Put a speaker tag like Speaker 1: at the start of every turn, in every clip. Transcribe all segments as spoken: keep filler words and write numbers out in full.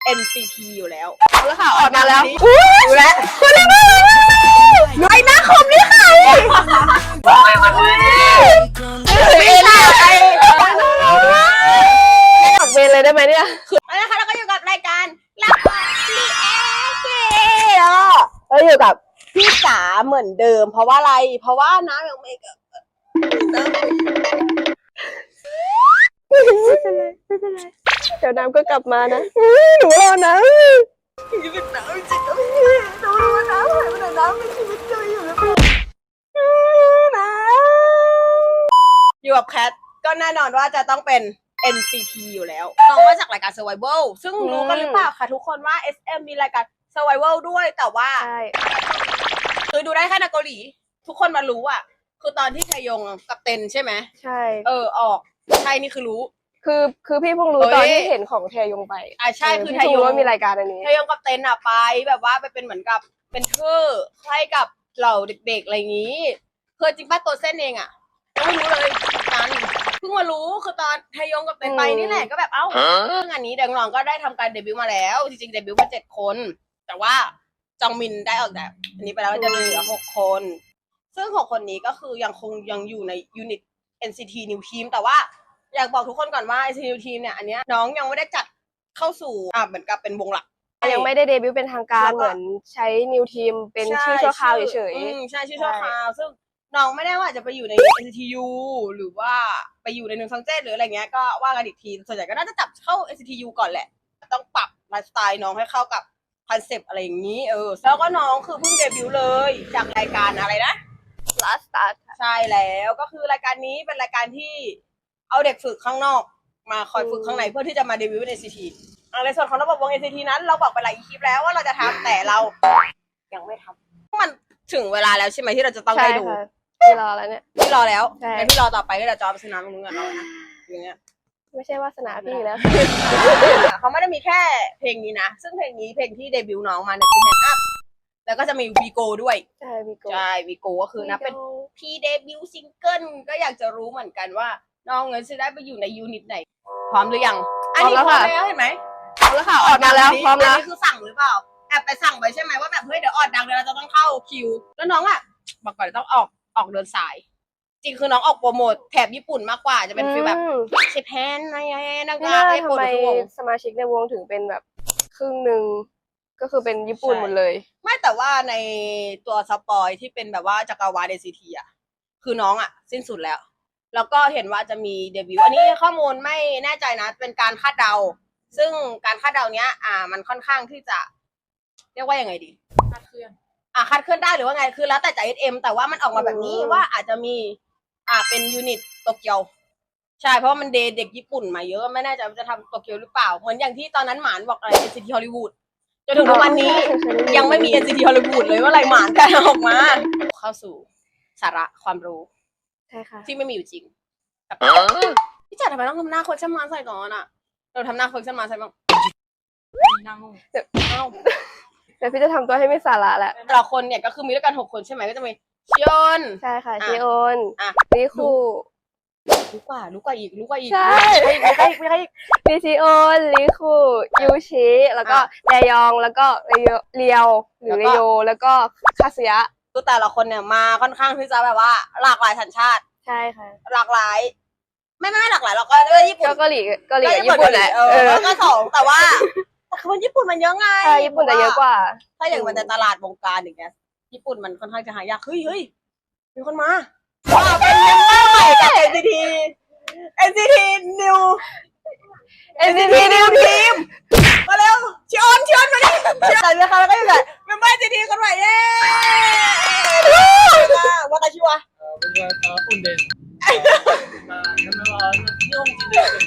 Speaker 1: เอ็น ซี ที อยู่แล้ว
Speaker 2: เอาละค่ะออกมาแล้ว
Speaker 1: ดูแลคุณเรียกว่าไอ้หน้าคมนี่ใครไม่ใช่ไอ้
Speaker 2: ออกเวรเลยได้ไหมเนี่ย
Speaker 1: นะคะเราก็อยู่กับรายการลักรีแอคที
Speaker 2: เราอยู่กับ
Speaker 1: พี่จ๋าเหมือนเดิมเพราะว่าอะไรเพราะว่าน้ำยังไม่เกิด
Speaker 2: ไม่เป็นไรไม่เป็นไรเดี๋ยวน้ำก็กลับมานะหนูรอนะ
Speaker 1: ชีวิตน้ำจริงๆพี่ดูว่าน้ำหายไปไหนน้ำมีชีวิตอยู่อยู่หรือเปล่าน้ำอยู่กับแคทก็แน่นอนว่าจะต้องเป็น เอ็น ซี ที อยู่แล้วน้องมาจากรายการ Survival ซึ่งรู้กันหรือเปล่าคะทุกคนว่า เอส เอ็ม มีรายการ Survival ด้วยแต่ว่าคือดูได้แค่ในเกาหลีทุกคนมารู้อ่ะคือตอนที่ไทยงกับเต็นใช่ไหม
Speaker 2: ใช่
Speaker 1: เออออกใช่นี่คือรู้
Speaker 2: คือคือพี่เพิ่งรู้ตอนที่เห็นของเทยงไป
Speaker 1: อ่าใช่คือไทยง
Speaker 2: ว่ามีรายการอันนี้
Speaker 1: ไทยงกับเต็นอ่ะไปแบบว่าไปเป็นเหมือนกับเป็นเธอให้กับเหล่าเด็กๆอะไรอย่างนี้เพื่อจริงป้าตัวเส้นเองอ่ะไม่รู้เลยกันเพิ่งมารู้คือตอนไทยงกับเต็นไปนี่แหละก็แบบเอ้าเรื่องอันนี้เด็กน้องก็ได้ทำการเดบิวต์มาแล้วจริงๆเดบิวต์มาเจ็ดคนแต่ว่าจองมินได้ออกแบบอันนี้ไปแล้วจะเหลือหกคนซึ่งหกคนนี้ก็คือยังคงยังอยู่ในยูนิต เอ็น ซี ที New Team แต่ว่าอยากบอกทุกคนก่อนว่า เอ็น ซี ที New Team เนี่ยอันเนี้ยน้องยังไม่ได้จัดเข้าสู่อ่าเหมือนกับเป็นวงหลัก
Speaker 2: ยังไม่ได้เดบิวต์เป็นทางการเหมือนใช้ New Team เป็นชื่อชั่วคราวเฉย
Speaker 1: ๆใช่ชื่อชั่วคราวซึ่งน้องไม่ได้ว่าจะไปอยู่ใน เอ็น ซี ที ยู หรือว่าไปอยู่ในหนึ่งซังเจ้หรืออะไรเงี้ยก็ว่ากันอีกทีส่วนใหญ่ก็น่าจะจับเข้า เอ็น ซี ที ยู ก่อนแหละต้องปรับไลฟ์สไตล์น้องให้เข้ากับคอนเซปต์อะไรอย่างนี้เออแล้วก็น้องคือเพิ่งเดบิวต์เลยจากรายการอะไรนะ
Speaker 2: Last Start
Speaker 1: ใช่แล้วก็คือรายการนี้เป็นรายการที่เอาเด็กฝึกข้างนอกมาคอยฝึกข้างในเพื่อที่จะมาเดบิวต์ใน เอ็น ซี ที ในส่วนของระบบวง เอ็น ซี ที นั้นเราบอกไปหลายคลิปแล้วว่าเราจะทำแต่เรายังไม่ทำมันถึงเวลาแล้วใช่ไหมที่เราจะต้องได้ดู
Speaker 2: พี่รอแล้วเนี่ย
Speaker 1: พี่รอแล้วงั้นพี่รอต่อไปก็เดี๋ยวจอไปซื้อน้ำตรงนู้นกันเรานะอย่างเงี้ย
Speaker 2: ไม่ใช่วาสนาพี่แล้ว
Speaker 1: เขาไม่ได้มีแค่เพลงนี้นะซึ่งเพลงนี้เพลงที่เดบิวต์น้องมาเนี่ยคือ Hand Up แล้วก็จะมีวีโกด้วย
Speaker 2: ใช่วีโก
Speaker 1: ใช่วีโกก็คือนะเป็นพีเดบิวต์ซิงเกิลก็อยากจะรู้เหมือนกันว่าน้องเงินจะได้ไปอยู่ในยูนิตไหนพร้อมหรือยังอันนี้พร้อมแล้วเห็นไหม
Speaker 2: พร้อมแล้วค่ะออกมาแล้วพร้อมแล้ว
Speaker 1: อันนี้คือสั่งหรือเปล่าแอบไปสั่งไปใช่ไหมว่าแบบเฮ้ยเดี๋ยวออดดังเดี๋ยวเราจะต้องเข้าคิวแล้วน้องอ่ะบอกก่อนต้องออกออกเดินสายจริงคือน้องออกโปรโมทแถบญี่ปุ่นมากกว่าจะเป็นฟีลแบบเชฟแพนอะไรอย่างเงี้ยนักงานให้โปรโมท
Speaker 2: สมาชิกในวงถึงเป็นแบบครึ่งหนึ่งก็คือเป็นญี่ปุ่นหมดเลย
Speaker 1: ไม่แต่ว่าในตัวสปอยที่เป็นแบบว่าจักรวาล เอ็น ซี ที อ่ะคือน้องอ่ะสิ้นสุดแล้วแล้วก็เห็นว่าจะมีเดบิวต์อันนี้ข้อมูลไม่แน่ใจนะเป็นการคาดเดาซึ่งการคาดเดาเนี้ยอ่ามันค่อนข้างที่จะเรียกว่ายังไงดีคาดเคลื่อนอ่าคาดเคลื่อนได้หรือว่าไงคือแล้วแต่จาก เอส เอ็ม แต่ว่ามันออกมาแบบนี้ว่าอาจจะมีอ่าเป็นยูนิตโตเกียวใช่เพราะว่ามันเดเด็กญี่ปุ่นมาเยอะไม่แน่ใจว่าจะทำโตเกียวหรือเปล่าเหมือนอย่างที่ตอนนั้นหมานบอกอะไร เอ็น ซี ที Hollywoodจนถึงวันนี้ยังไม่มี เอ็น ซี ที Hollywood เลยว่าอะไรหมานกันออกมาเข้าสู่สาระความรู้
Speaker 2: ใช่ค่ะ
Speaker 1: ที่ไม่มีอยู่จริงพี่จัดทำไมต้องทำหน้าโคชั่นมาใส่ก่อนอ่ะเราทำหน้าโคชั่นมาใส่บ้างหน้างงเดี๋ยว
Speaker 2: แต่พี่จะทำตัวให้ไม่สาระแหละ
Speaker 1: แต่ละคนเนี่ยก็คือมีด้วยกันหกคนใช่ไหมก็จะมีชิออน
Speaker 2: ใช่ค่ะชิออนริคู
Speaker 1: รู้กว่ารู้กว่าอีกรู้กว่าอีก
Speaker 2: ใช่
Speaker 1: ไม่ใช่ไม่ใช่
Speaker 2: มีชิออนริคูยูชิแล้วก็แดยองแล้วก็เรียวหรือเรโยแล้วก็คาซึยะ
Speaker 1: ตัวแต่ละคนเนี่ยมาค่อนข้างที่จะแบบว่าหลากหลายสัญชาติ
Speaker 2: ใช่ค่ะ
Speaker 1: หลากหลายไม่ไม่หลากหลายเราก็ด้วยญี่ปุ่น
Speaker 2: ก็เกาหลีเกาหลีญี่ปุ่นแหละ
Speaker 1: เออก็สองแต่ว่าคนญี่ปุ่นมันเยอะไง
Speaker 2: ใช่ญี่ปุ่นจะเยอะกว่า
Speaker 1: ถ้าอย่างมันในตลาดวงการอย่างเงี้ยญี่ปุ่นมันค่อนข้างจะหายากเฮ้ยเฮ้ยมีคนมาว้าวเป็นเมมเบอร์ใหม่จาก เอ็น ซี ที เอ็น ซี ที New เอ็น ซี ที New Team มาเร็วชิออนชิออนมาดิชิออนนะคะแล้วก็อยู่แบบเมมเบอร์ เอ็น ซี ที คนใหม่เย้ว่าแต่ชิวะ
Speaker 3: เป็นว่าตาอุ่นเด่นมาทำไมว่ายุ่งจริงเลย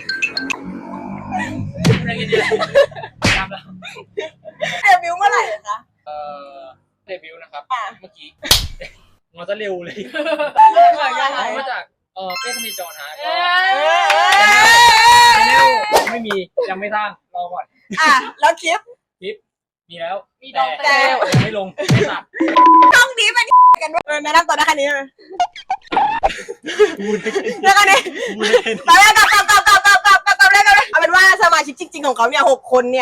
Speaker 3: อะไรกันเนี่ยตามแล้ว
Speaker 1: เดบิวต์เมื่อไหร่คะ
Speaker 3: เอ่อเดบิวต์นะครับเมื่อกี้มันจะเร็วเลยมาจากเอ่อเป้สนิทจอนะก็ไม่มียังไม่สร้างรอก่อน
Speaker 1: อ่ะแล้วคลิป
Speaker 3: คลิปมีแล้วแต่ยังไม่ลงไม่ตัด
Speaker 1: ช่องนี้เป็นกันด้วยแนะนำตัวได้แค่นี้เลยแล้วกันนี่แล้วกันกลับกลับกลับกลับกลับกลับกลับเลยกันเลยเอาเป็นว่าสมาชิกจริงๆของเขาเนี่ยหกคนเนี่ย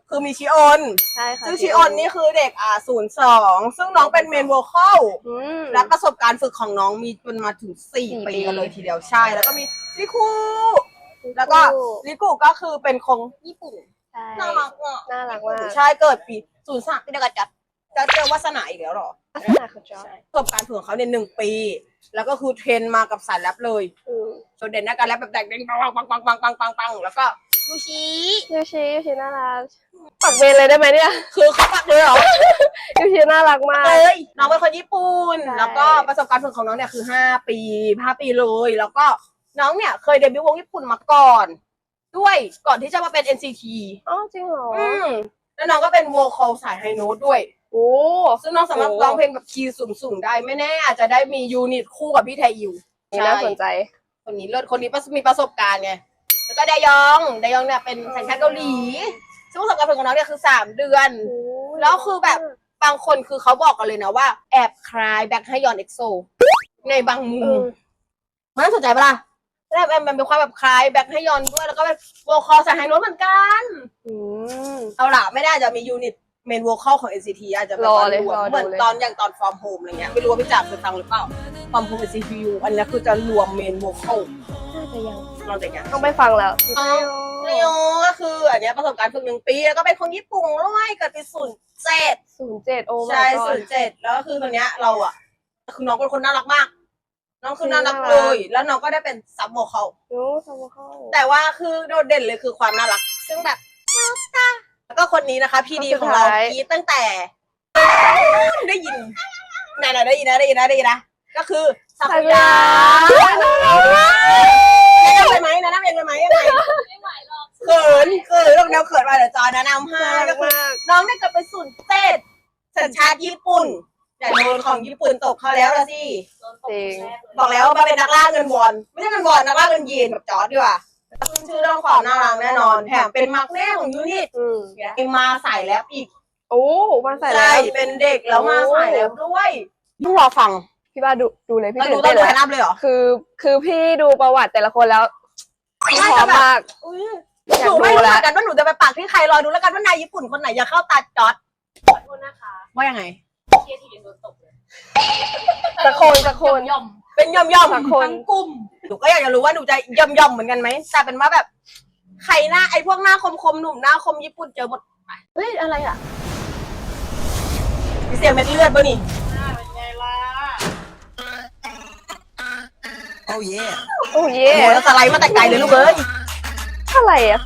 Speaker 1: คือมีชิออน
Speaker 2: ใช่ค่ะ
Speaker 1: ซึ่งชิออนนี่คือเด็กอ่าศูนย์สองซึ่งน้องเป็นเมนโวคอล
Speaker 2: อืม
Speaker 1: และประสบการณ์ฝึกของน้องมีจนมาถึงสี่
Speaker 2: สี่
Speaker 1: ปี
Speaker 2: ปี
Speaker 1: กันเลยทีเดียวใช่ แล้วก็มีลิคูแล้วก็ลิคูก็คือเป็นคงญี่ปุ่น
Speaker 2: ใช่
Speaker 1: น่ารักอ่ะ
Speaker 2: น่ารักมาก
Speaker 1: ใช่เกิดปีศูนย์สามปีเดียวกับจัดจะเจอวาสนาอีกแล้วเหรอ
Speaker 2: ลักษณะคือจอ
Speaker 1: ประสบการณ์ฝึกของเขาเนี่ยหนึ่งปี แล้วก็คือเทรนมากับสายแรปเลย
Speaker 2: อืม
Speaker 1: โดดเด่นในการแรปแบบแดกเด้งปังปังปังปังปังปังปังแล้วก็ยูชิ
Speaker 2: ยูชิยูชิน่ารักปักเบนเลยได้ไหมเนี่ย
Speaker 1: คือเขาปักเลยเหรอ
Speaker 2: ยูชิน่ารักมาก
Speaker 1: เอ้ยน้องเป็นคนญี่ปุ่น
Speaker 2: ใช่
Speaker 1: แล้วก็ประสบการณ์ฝึกของน้องเนี่ยคือห้าปีห้าปีเลย แล้วก็น้องเนี่ยเคยเดบิวต์วงญี่ปุ่นมาก่อน ด้วยก่อนที่จะมาเป็น เอ็น ซี ที
Speaker 2: อ๋อจริงเหรอ
Speaker 1: อืมแล้วน้องก็เป็นโวคอลสายไฮโน้ตด้วย
Speaker 2: โอ้
Speaker 1: ซึ่งน้องสามารถ
Speaker 2: โอ้
Speaker 1: ร้องเพลงแบบคีย์สูงๆได้ไม่แน่อาจจะได้มียูนิตคู่กับพี่ไทยู
Speaker 2: นี่น่าสนใจ
Speaker 1: คนนี้เลิศคนนี้มีประสบการณ์ไงแล้วก็ไดยองไดยองเนี่ยเป็นสัญชาติเกาหลีซึ่งประสบการณ์ของน้องเนี่ยคือสามเดือน แล้วคือแบบบางคนคือเขาบอกกันเลยนะว่าแอบคล้ายแบ็คไฮยอนเอ็กโซในบางมุ
Speaker 2: เอ
Speaker 1: ม
Speaker 2: อ
Speaker 1: มันน่าสนใจปะล่ะแล้วมันเป็นความแบบคล้ายแบ็คไฮยอนด้วยแล้วก็เป็นโวคอลสายไฮโน้ตเหมือนกัน
Speaker 2: อืม
Speaker 1: เอาล่ะไม่ได้จะมียูนิตเมนโวคอลของ เอ็น ซี ที อาจจะแบบ
Speaker 2: รอ
Speaker 1: ว่า
Speaker 2: เลย
Speaker 1: รวม
Speaker 2: รอดู
Speaker 1: เหมือน
Speaker 2: เลย
Speaker 1: ตอนอย่างตอนฟอร์มโฮมอะไรเงี้ยไม่รู้ว่าพี่จ๋าเคยฟังหรือเปล่าฟอร์มโฮม เอ็น ซี ที ยู อันนี้คือจะรวมเมนโวคอล
Speaker 2: น่าจะยัง
Speaker 1: ลองแต่ยัง
Speaker 2: ต้องไปฟังแล้ว
Speaker 1: อ๋อ เนโยก็คืออันเนี้ยประสบการณ์ฝึกหนึ่งปีแล้วก็เป็นคนญี่ปุ่นด้วยเกิดปีศูนย์เจ็ด
Speaker 2: ศูนย์เจ็ดโอ้
Speaker 1: ใช่
Speaker 2: my god
Speaker 1: ศูนย์เจ็ดแล้วก็คือคนเนี้ยเราอ่ะคือน้องเป็นคนน่ารักมาก น้องคือน่ารัก
Speaker 2: น่ารัก
Speaker 1: เลย แล้วน้องก็ได้เป็นซับโวคอล
Speaker 2: โอ้สมเข้า
Speaker 1: แต่ว่าคือโดดเด่นเลยคือความน่ารัก ซึ่งแบบแล้วก็คนนี้นะคะพี่ดีของเรากรีดตั้งแต่ได้ยินไหนๆได้ยินนะได้ยินนะได้ยินนะก็คือซากุระแนะนำไปไหมแนะนำเองไปไหมยังไงเขินเขินลงแนวเขินมาเดี๋ยวจอแนะนำให้
Speaker 2: น่ารั
Speaker 1: ก็
Speaker 2: ก
Speaker 1: คือ
Speaker 2: มาก
Speaker 1: น้องเนี่ยเกิดเป็นศูนย์เจ็ดสัญชาติญี่ปุ่นแต่โดนของญี่ปุ่นตกเขาแล้วละสิ
Speaker 2: จริง
Speaker 1: บอกแล้วว่ามาเป็นนักล่าเงินวอนไม่ใช่เงินวอนนักล่าเงินยีนแบบจอร์ดดีกว่าขึ้นชื่อเรื่องความน่ารักแน่นอนแถมเป็นมักแน่ของยูนิต
Speaker 2: อืม
Speaker 1: ยังมาใส่แล้วอีก
Speaker 2: โอ้มาใส่แล้
Speaker 1: ใช่
Speaker 2: ว
Speaker 1: เป็นเด็กแล้วมาใส่แล้วด้วยต้องรอฟัง
Speaker 2: พี่บ้าดูดูเลยพี่
Speaker 1: แล้ว
Speaker 2: ตื่
Speaker 1: ดู
Speaker 2: น
Speaker 1: ต้อ
Speaker 2: เต้
Speaker 1: ง
Speaker 2: น
Speaker 1: ดู
Speaker 2: แล้ว
Speaker 1: แนะนำเลยเหรอ
Speaker 2: คือคือพี่ดูประวัติแต่ละคนแล้วพี่พร้อมมาก
Speaker 1: อุ๊ย
Speaker 2: อ
Speaker 1: ห
Speaker 2: ยาก
Speaker 1: นู
Speaker 2: ดู
Speaker 1: ไม่รู้เห
Speaker 2: แล้
Speaker 1: มื
Speaker 2: ว
Speaker 1: อนกันว่าหนูจะไปปากที่ใครรอดูแล้วกันว่านายญี่ปุ่นคนไหนอยากเข้าตาจอร์ด
Speaker 4: ขอโทษนะคะ
Speaker 1: ว่ายังไง
Speaker 4: เชียร์ทีมโดนตกเลย
Speaker 2: สักคนสักคน
Speaker 4: ย่อม
Speaker 1: เป็นย่อมย่อม
Speaker 2: สักคน
Speaker 1: ทั้งกลุ่มหนูก็อยากจะรู้ว่าหนูจะย่อมย่อมเหมือนกันไหมแต่เป็นว่าแบบใครหน้าไอ้พวกหน้าคมคมๆหนุ่มหน้าคมญี่ปุ่นเจอหมด
Speaker 2: เฮ้ยอะไรอ่ะ
Speaker 1: มีเสียงเม็ดเลือดป่ะนี่
Speaker 4: เป็นไงล่ะ
Speaker 5: Oh yeah.
Speaker 2: โอ้เย่
Speaker 1: โอ้โหแล้วสไลด์มาแต่ไกลเลยลูกเอ้ย
Speaker 2: อะไรอ่ะ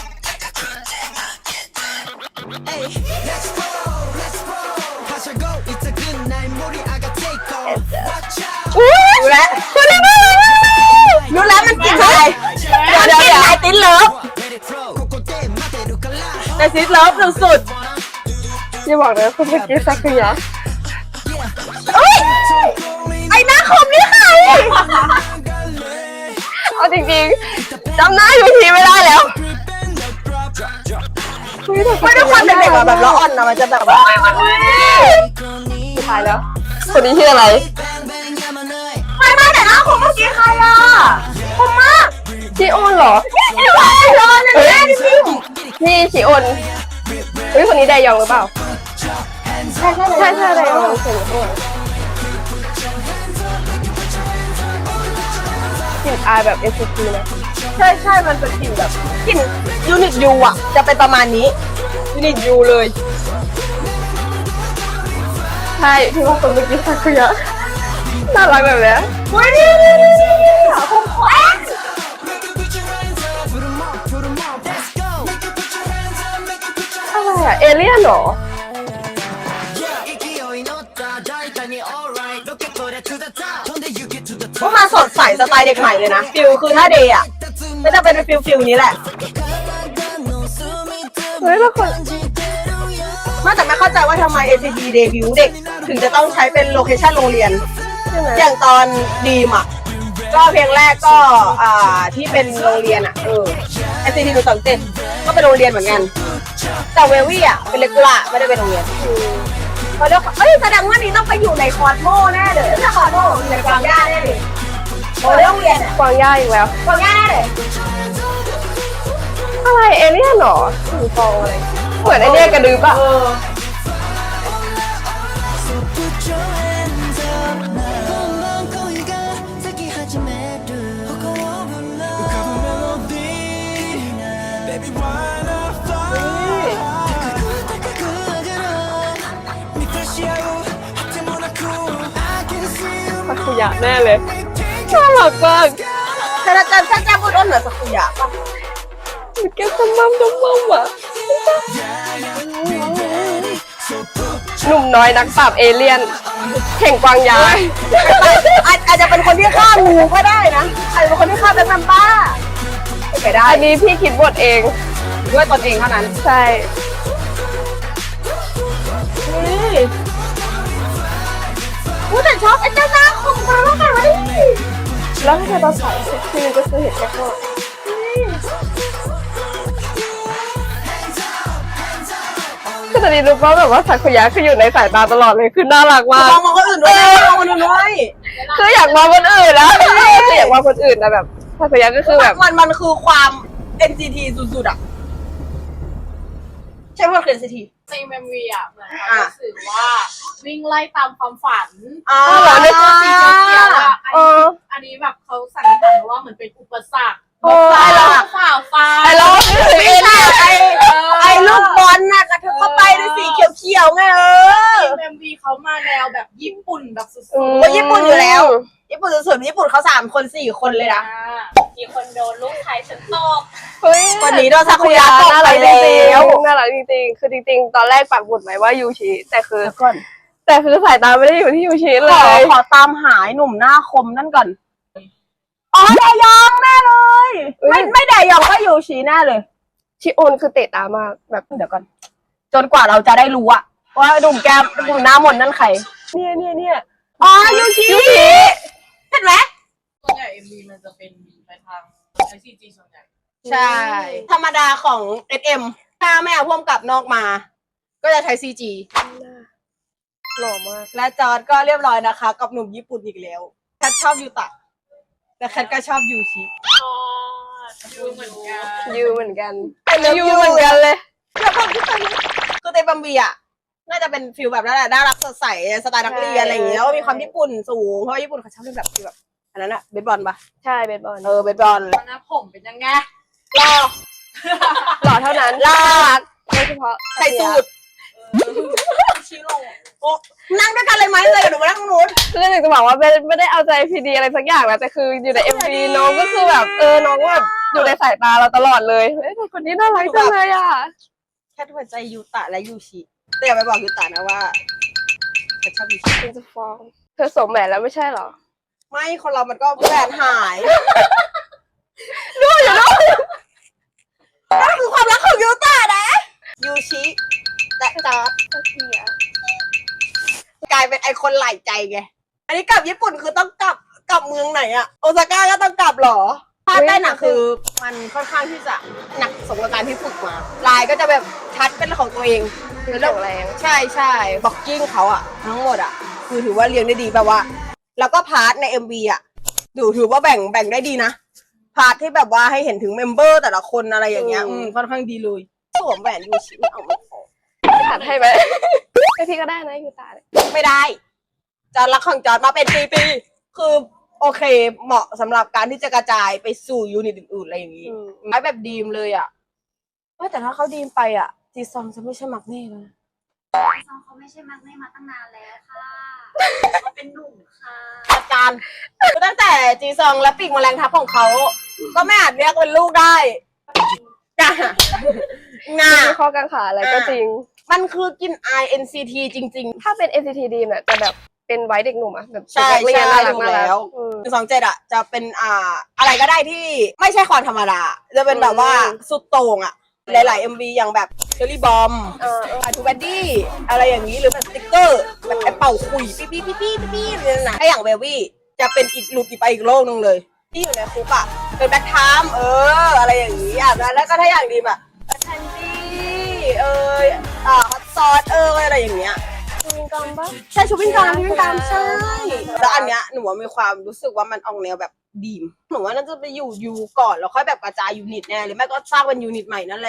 Speaker 5: Hey, let's roll, let's roll. Pass go. It's a good night. Mori aga take off. Watch out.
Speaker 1: รู้แล้วรู้แล้วมันกินอะไรเดี๋ยวเดี๋ยวเดี๋ยวไอตินเลิฟ
Speaker 5: Let it flow. ここで待てるから。
Speaker 1: ไอตินเลิฟสุด
Speaker 2: อย่าบอกนะคุณเมื่อกี้สักคือ
Speaker 1: ๆเอ้ยไอหน้าคมนี่ใคร
Speaker 2: เอาจริงๆจำหน้าอยู่ทีไม่ได้แล้วเฮ้ยแต่
Speaker 1: ไม่ด้วยความเป็นเด็กอะแบบละอ่อนนะมันจะแบบว่า
Speaker 2: ตายแล้ว คนนี้ชื่ออะไร
Speaker 1: ไม่ไม่แต่หน้าคมเมื่อกี้ใครอะคมมาก
Speaker 2: ชิโอนเหรอ
Speaker 1: ไม่ไหวเลยนะแม่จริง
Speaker 2: นี่ชิโอนเฮ้ยคนนี้ไดยองหรือเปล่า
Speaker 1: ใช่ใช่
Speaker 2: ใช่ใช่ไดยองเสียงโอนกลิ่นอายแบบ เอส ซี ที นะ
Speaker 1: ใช่ใช่มันเป็นกลิ่นแบบกลิ่นยูนิตยูอะจะเป็นประมาณนี้ยูนิตยูเลย
Speaker 2: ใช่ที่ว่าคนเมื่อกี้สักคือน่ารักแบบเนี้ย
Speaker 1: เฮ้ยนี่นี่นี่นี่คมคม
Speaker 2: อะไรอะเอเลี่ยนเหรอ
Speaker 1: พวกมาสดใสสไตล์เด็กใหม่เลยนะฟิลคือถ้าเดย์อะไม่จะเป็นฟิลฟิลนี้แหละ
Speaker 2: เฮ้ยแล้วคน
Speaker 1: มาแต่ไม่เข้าใจว่าทำไม เอ็น ซี ที เดบิวต์เด็ก ถึงจะต้องใช้เป็นโลเคชั่นโรงเรียน
Speaker 2: ใช่ไหม
Speaker 1: อย่างตอนดีมอ่ะ ก็เพลงแรกก็อ่าที่เป็นโรงเรียนอ่ะเออ เอ็น ซี ที หนึ่งสองเจ็ดก็เป็นโรงเรียนเหมือนกัน แต่เววี่อ่ะเป็นเลกูล่าไม่ได้เป็นโรงเรียนเขาเรียกเอ้ยแสดงว่านี้ต้องไปอยู่ในคอร์โมแน่เลยถ้าคอร์โมอยู่ในกวางย่าแน่เลยโอ้โรงเรียนอ่ะ
Speaker 2: กวางย่าอีกแล้ว
Speaker 1: กวางย่าแน่เลย
Speaker 2: อะไรเอเลี่ยนเหรอสีฟองอะไรเหมือนไอเนี้ยกระดึ๊บอะ
Speaker 1: เออ
Speaker 5: So put your hands up now 넌 거위가 특이하지 매도 호감을 불러 호감을 멜로디 Baby why not fly 네 프레시하고 핫해 모나코 I can see you
Speaker 2: สักุยะแน่เลยน่ารักมาก
Speaker 1: ถ้าจะถ้าจะพูดว่าเหนือสักุยะป่ะ
Speaker 2: มันแก้มจำมั่มจำมั่มอะหนุ่มน้อยนักปราบเอเลี่ยนแข่งกวางยา
Speaker 1: อาจอาจจะเป็นคนที่ฆ่างูก็ได้นะอาจจะเป็นคนที่ฆ่าเป็นซัมบ้าไปได้
Speaker 2: อันนี้พี่คิดบทเอง
Speaker 1: ด้วยตนเองเท่านั้น
Speaker 2: ใช่
Speaker 1: นี่กูแต่ชอบไอ้เจ้าหน้าของมันมากเลย
Speaker 2: แล้วถ้าเกิดเราใส่เซ็กซี่ก็จะเห็นแค่ว่าคือตอนนี้รู้ป่ะแบบว่าสักุยะคืออยู่ในสายตาตลอดเลยคือน่ารักมาก
Speaker 1: มองมองคนอื่นด้วยนะมองคนอื่นด้วย
Speaker 2: คืออยากมองคนอื่นนะคืออยากมองคนอื่นนะแบบสักุยะก็คือแบบ
Speaker 1: มันมันคือความ เอ็น ซี ที สุดๆอ่ะใช่ไหมคือ เอ็น ซี ที
Speaker 4: ในเมมวีอ่ะเหมือนเขารู้สึกว่าวิ่งไล่ตามความฝัน
Speaker 1: อ๋อ
Speaker 4: แล้วก็สีเขียวๆอ่ะ
Speaker 2: เออ
Speaker 4: อันนี้แบบเขาสันนิษฐานว่าเหมือนเป็นอุปสรรค
Speaker 2: โอ้ย
Speaker 4: เราฝ่าฟัน
Speaker 2: ไอ้เรา
Speaker 1: ไม่ใช่ไอ้ไอ้ลูกบอลน่ะกระเทบเข้าไปในสีเขียวๆไงเออ
Speaker 4: เอ็มวีเขามาแนวแบบญี่ปุ่นแบบสุด
Speaker 2: อืม
Speaker 1: โอ้ยญี่ปุ่นอยู่แล้ว ญี่ปุ่นสุดๆญี่ปุ่นเขาสามคนสี่คนเลยนะ
Speaker 4: มีคนโดนลูกไทยฉันตก
Speaker 2: เฮ้ย
Speaker 1: วันนี้โดนซากุยะตก
Speaker 2: น่า
Speaker 1: ไป
Speaker 2: รักจ
Speaker 1: แล้
Speaker 2: ริง
Speaker 1: ว
Speaker 2: ๆน่ารักจริงๆคือจริงๆตอนแรกปักหมุดไว้ว่ายูชิแต่คือ
Speaker 1: เดี๋ยวก่อน
Speaker 2: แต่คือสายตาไม่ได้อยู่ที่ยูชิ
Speaker 1: ข
Speaker 2: เล
Speaker 1: อย ขอตามหายหนุ่มหน้าคมนั่นก่อน อ๋อแดยองแน่เลย ไม่ไม่แดยองก็ยูชิแน่เลย
Speaker 2: ชิโอนคือเตะตามากแบบ
Speaker 1: เดี๋ยวก่อน จนกว่าเราจะได้รู้อะว่าหนุ่มแก้มหนุ่มหน้ามนต์นั่นใคร
Speaker 2: เนี่ยเนี่ยเนี่ย
Speaker 1: อ๋อยูชิยูชิเห็นไหม
Speaker 4: ส่วนใหญ่เอ็มวีมันจะเป็นไปทางไอซีจีส่วนใหญ่
Speaker 1: ใช่ ธรรมดาของ เอส เอ็ม ถ้าไม่เอาพ่วงกับนอกมา ก็จะใช้ ซี จี
Speaker 2: หล่อมาก
Speaker 1: และจอร์ดก็เรียบร้อยนะคะ กับหนุ่มญี่ปุ่นอีกแล้วแคทชอบยูตะแต่แคทก็ชอบยูชิ
Speaker 4: อ๋อดูเหมือนกัน
Speaker 2: ยูเหมือนกัน
Speaker 1: ไอเลิฟ
Speaker 2: ยู
Speaker 1: ยู
Speaker 2: เหมือนกันเลย
Speaker 1: แล้วความที่เป็นคือเตบัมบีอะน่าจะเป็นฟิลแบบนั้นแหละน่ารักสดใสสไตล์นักเรียนอะไรอย่างเงี้ยแล้วก็มีความญี่ปุ่นสูงเพราะว่าญี่ปุ่นเขาชอบเล่นแบบฟิลแบบอันนั้นอะเบสบอลปะ
Speaker 2: ใช่เบสบอล
Speaker 1: เออเบสบอล
Speaker 4: ตอนนั้นผมเป็นยังไง
Speaker 1: รอ
Speaker 2: หล่อเท่านั้น
Speaker 1: ลาก
Speaker 2: โดยเฉพาะ
Speaker 1: ใส่สูทชิโร่โอ้นั่งด้วยกันเลยไหมเลยหนูมานั่งตรงนู้น
Speaker 2: คือหนึ่งจะบอกว่าไม่ไม่ได้เอาใจพีดีอะไรสักอย่างนะแต่คืออยู่ในเอ็มวีน้องก็คือแบบเออน้องแบบอยู่ในสายตาเราตลอดเลยเฮ้ยแต่คนนี้น่ารักจังเลยอ่ะ
Speaker 1: แค่หัวใจยูตะและยูชิแต่อย่าไปบอกยูตะนะว่าแค่ชอบยูชิ
Speaker 2: ฉันจะฟ้องเธอสวมแหวนแล้วไม่ใช่เหรอ
Speaker 1: ไม่คนเรามันก็แหวนหายดูอยู่เนาะนั่นคือความรักของยูตะนะยูชิและจอร์ด
Speaker 2: สักทีอ่ะ
Speaker 1: กลายเป็นไอคนหลายใจไง อันนี้กลับญี่ปุ่นคือต้องกลับกลับเมืองไหนอะโอซาก้าก็ต้องกลับเหรอภาคใต้หนักคือมันค่อนข้างที่จะหนักสมกับการที่ฝึกมา ลายก็จะแบบชัดเป็นของตัวเอง
Speaker 2: คือแข็งแรง
Speaker 1: ใช่ใช่บ็อกกิ้งเขาอะทั้งหมดอะคือถือว่าเรียงได้ดีแบบว่า แล้วก็พาร์ทใน เอ็ม วี อะดูถือว่าแบ่งแบ่งได้ดีนะ พาร์ทที่แบบว่าให้เห็นถึงเมมเบอร์แต่ละคนอะไรอย่างเงี้ยอืมค่อนข้างดีเลยสวมแหวนยูชิไม่เอาไม่เอา
Speaker 2: ตัดให้ไหมไอพี่ก็ได้นะยูตาเนี่ย
Speaker 1: ไม่ได้จอร์ดรักของจอร์ดมาเป็นปีๆคือโอเคเหมาะสำหรับการที่จะกระจายไปสู่ยูนิตอื่นๆอะไรอย่างนี้ไม้แบบดีมเลยอ่ะเฮ้ยแต่ถ้าเขาดีมไปอ่ะจีซองจะไม่ใช่มักเน่แล้วนะ
Speaker 6: ซองเขาไม่ใช่มักไม่มาตั้งนานแล้วค่ะเขาเป็นหนุ่มค่ะ
Speaker 1: อาจารย์คือตั้งแต่จีซองและปีกแมลงทับของเขา ก็ไม่อาจเรียกเป็นลูกได้จ้ะงา
Speaker 2: มีข้อกังขาอะไรก็จริง
Speaker 1: มันคือกิน ไอ เอ็น ซี ที จริง ๆ
Speaker 2: ถ้าเป็น เอ็น ซี ที ดีเนี่ยจะแบบเป็นไว้เด็กหนุ่มอะแบบ
Speaker 1: ใช่
Speaker 2: เด็กนักเรียน
Speaker 1: ใช่
Speaker 2: น่ารัก
Speaker 1: ถูก
Speaker 2: น่ารัก
Speaker 1: แล้ว
Speaker 2: อืม
Speaker 1: หนึ่งสองเจ็ดอ่ะจะเป็นอ่าอะไรก็ได้ที่ไม่ใช่ความธรรมดา จะเป็นแบบว่า
Speaker 2: อืม
Speaker 1: สุดโต่งอ่ะ หลายๆ เอ็ม วี อย่างแบบเชอรี่บอม
Speaker 2: เออเออ
Speaker 1: ทูแบดดี้อะไรอย่างนี้หรือแบบสติ๊กเกอร์แบบไอ้เป่าคุยปี้ปี้ปี้ปี้ปี้ปี้เนี่ยนะถ้าอย่างเบวี่จะเป็นอีกหลุดอีกไปอีกโลกนึงเลย ที่อยู่ในคุกอ่ะเป็นแบ็คไทม์เออ อะไรอย่างนี้อ่ะแล้วก็ถ้าอย่างดีแบบแคนดี้เอออ่าฮอตซอสเอออะไรอย่างเงี้ย
Speaker 2: ชูวิงกอมปะ
Speaker 1: ใช่ชูวิ่งกามชูวิ่งกามใช่แล้วอันเนี้ยหนูว่ามีความรู้สึกว่ามันออกแนวแบบดีมหนูว่าน่าจะไปอยู่ยูก่อนแล้วค่อยแบบกระจายยูนิตแน่หรือไม่ก็สร้างเป็นยูนิตใหม่นั่นแหละ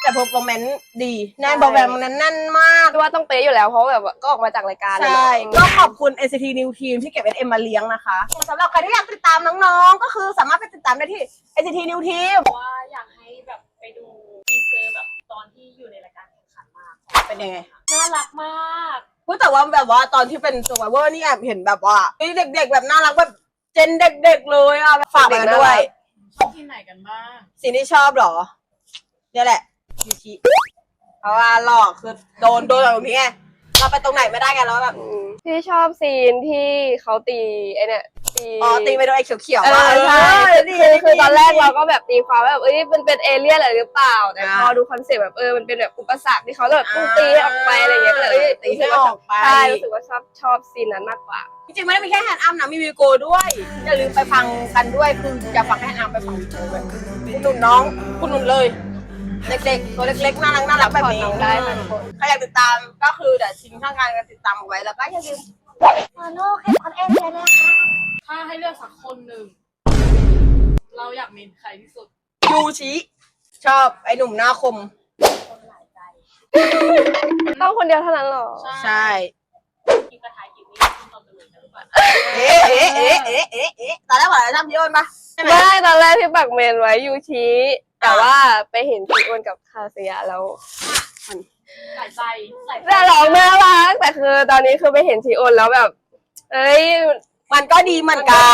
Speaker 1: แต่เพอร์ฟอร์แมนซ์ดีแน่นเพอร์ฟอร์แมนซ์นั้นแน่นมาก
Speaker 2: ว่าต้องเป๊ะอยู่แล้วเพราะแบบว่าก็ออกมาจากรายการเลย
Speaker 1: ใช่
Speaker 2: เนอะ
Speaker 1: ก็ขอบคุณ เอ็น ซี ที New Team ที่เก็บ เอส เอ็ม มาเลี้ยงนะคะสำหรับใครที่อยากติดตามน้องๆ ก็คือสามารถไปติดตามได้ที่ เอ็น ซี ที New Team
Speaker 4: ว่าอยากให้แบบไปดูทีเซอร์แบบตอนที่อยู่ในรายการแข่งขันมาก
Speaker 1: เป็นยังไง
Speaker 4: น่ารักมาก
Speaker 1: พูดแต่ว่าแบบว่าตอนที่เป็น Survivor นี่แอบเห็นแบบว่าเด็กๆแบบน่ารักแบบเจนเด็กๆเลยอ่ะฝากมาด้วย
Speaker 4: ชอบที่ไหนกันบ้าง
Speaker 1: สิ่งที่ชอบเหรอ เนี่ยแหละยูชิเพราะว่าหลอกคือโดนโดนแบบนี้ไงเราไปตรงไหนไม่ได้กันแล้วแบบ
Speaker 2: ที่ชอบซีนที่เขาตีไอเนี่ยตี
Speaker 1: อ๋อตีไปโดนไอ้เขียว
Speaker 2: เอ
Speaker 1: ๆว่า
Speaker 2: อใช่
Speaker 1: เออดี
Speaker 2: คือ
Speaker 1: ดี
Speaker 2: คือตอนแรก
Speaker 1: ดี
Speaker 2: เราก็แบบตีความว่าแบบเอ้ยมันเป็นเอเลี่ยนอะไรหรือเปล่าแต่
Speaker 1: อ่า
Speaker 2: พอดูคอนเซ็ปต์แบบเออมันเป็นแบบอุปสรรคที่เขาแบบต้องตีให้ออกไปอะไรอย่างเงี้ยก็เลยเอ้ย
Speaker 1: ตีให้ออกไป
Speaker 2: ใช่รู้สึกว่าชอบชอบซีนนั้นมากกว่า
Speaker 1: จริงๆไม่ได้มีแค่แฮนด์อัพนะมีวิวโกด้วยอย่าลืมไปฟังกันด้วยคืออย่าฟังแค่แฮนด์อัพไปฟังวิวโกด้วยคุณหนุนน้องคุณหนุนเลย เด็กๆตัวเล็กๆน่ารักน่ารักแบบนี้
Speaker 2: น้องได้ค่ะทุกคน
Speaker 1: ใครอยากติดตามก็คือเดี๋ยวทิ้งช่องทางการติดตามเอาไว้แล้วก็อย่าลืม
Speaker 6: ฟอลโล่แคปคอนเอ็นเลยนะคะ
Speaker 4: ถ้าให้เลือกสักคนหนึ่ง เราอยากเมนใครที่สุด
Speaker 1: ยูชิชอบไอ้หนุ่มหน้าคม
Speaker 4: คนหลายใจ
Speaker 2: ต้องคนเดียวเท่านั้นหรอ
Speaker 1: ใช่
Speaker 4: กินกระทายกินนี่คุณตอนตื่นกันหรือเปล่า
Speaker 1: เอ๊ะเอ๊ะเอ๊ะเอ๊ะเอ๊ะเอ๊ะตอนแรกบอกอะไรทำพี่โอนปะใช่ไหม
Speaker 2: ไม่ตอนแรกที่ปักเมนไว้ยูชิแต่ว่าไปเห็นพี่อ้วนกับคาเซียแล้ว
Speaker 4: หลายใจหลายใจ
Speaker 2: แต่ร้องน่ารักแต่คือตอนนี้คือไปเห็นทีโอนแล้วแบบ เอ้ย
Speaker 1: มันก็ดีเหมือนกัน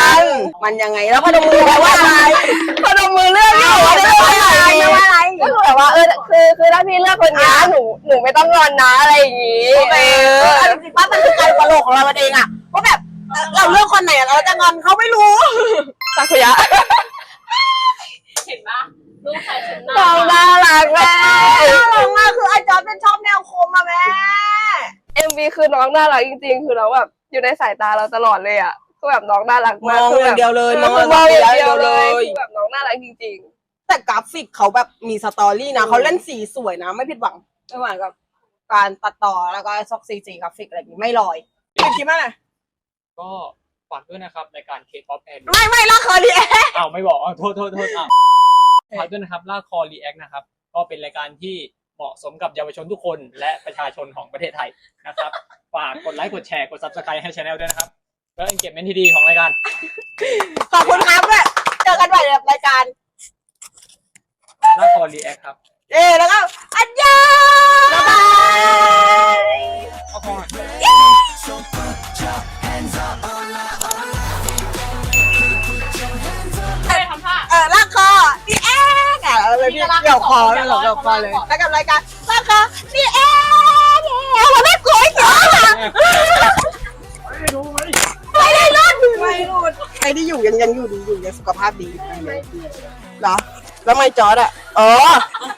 Speaker 1: มันยังไงแล้วพนมมือแปลว่าอะไร
Speaker 2: พนมมือเลือกอยู่
Speaker 1: ไม่ว่าอะไรไม่ว่าอะไร
Speaker 2: ก็คือแบบว่าเออคือคือถ้าพี่เลือกคนนี้หนูหนูไม่ต้องงอนนะอะไรอย่างงี้
Speaker 1: โอเคเออจริงๆป้ามันคือการตลกของเราเองอะว่าแบบเราเลือกคนไหนเราจะงอนเขาไม่รู้
Speaker 2: ซากุยะ
Speaker 4: เห็นปะลูกใครฉัน
Speaker 2: น้องน่ารักแม่
Speaker 1: น่ารักมากคือไอ้จอร์จเป็นชอบแนวคมอะแม่
Speaker 2: เอ็มวีคือน้องน่ารักจริงๆ คือเราแบบอยู่ในสายตาเราตลอดเลยอ่ะคือแบบน้องน่ารัก
Speaker 1: ม
Speaker 2: มาก
Speaker 1: อง
Speaker 2: คือ
Speaker 1: อ
Speaker 2: แบ
Speaker 1: ย่าง
Speaker 2: บ
Speaker 1: เดียวเลย
Speaker 2: คือ
Speaker 1: มอง
Speaker 2: มองอย่าง
Speaker 1: เดี
Speaker 2: เดี
Speaker 1: ย
Speaker 2: ยว ว
Speaker 1: เล
Speaker 2: เลย
Speaker 1: ย
Speaker 2: คือแบบน้องน่ารักจริง
Speaker 1: แต่กราฟิกเขาแบบมีสตอรี่นะเขาเล่นสีสวยนะไม่ผิดหวังไม่หวังกับการตัดต่อแล้วก็ซอกซีจีกราฟิกอะไรอย่างนี้ไม่ลอยเป็นคิดว่าไง
Speaker 3: ก็ฝากด้วยนะครับรายการ K-pop and
Speaker 1: ไม่ไม่ละครดีเอ๊ะ
Speaker 3: อ้าวไม่บอกอ้าวโทษโทษโทษอ่ะฝากด้วยนะครับล่าคอรีแอคนะครับ ก็เป็นรายการที่เหมาะสมกับเยาวชนทุกคนและประชาชนของประเทศไทยนะครับ ฝากกดไลค์กดแชร์กด ซับสไครบ์ ให้ช anel ด้วยนะครับเพื่อ engagement ที่ดีของรายการ
Speaker 1: ขอบคุณครับด้วยเจอกันใหม่ในรายการ
Speaker 3: ล่าคอรีแอคครับ
Speaker 1: เอ๊แล้วก็อันยองบ๊ายบาย
Speaker 3: เอาก่อน
Speaker 5: So put your hands up, hola, hola. Put your hands up.
Speaker 4: ใครทำท่า
Speaker 1: เออลากคอดีแอ๊กอ่ะอะไรพี่เกี่ยวคอเลยเหรอเกี่ยวคอเลยแล้วกับรายการลากคอดีแอ๊กเนี่ยเราไม่กลัวเหรอ
Speaker 3: ไม่รู้ไหม
Speaker 1: ไม่ได้รอดไม่รอดใครที่อยู่ยังยังอยู่ดีอยู่ยังสุขภาพดีเหรอแล้วไม่จอร์ดอ่ะอ๋อ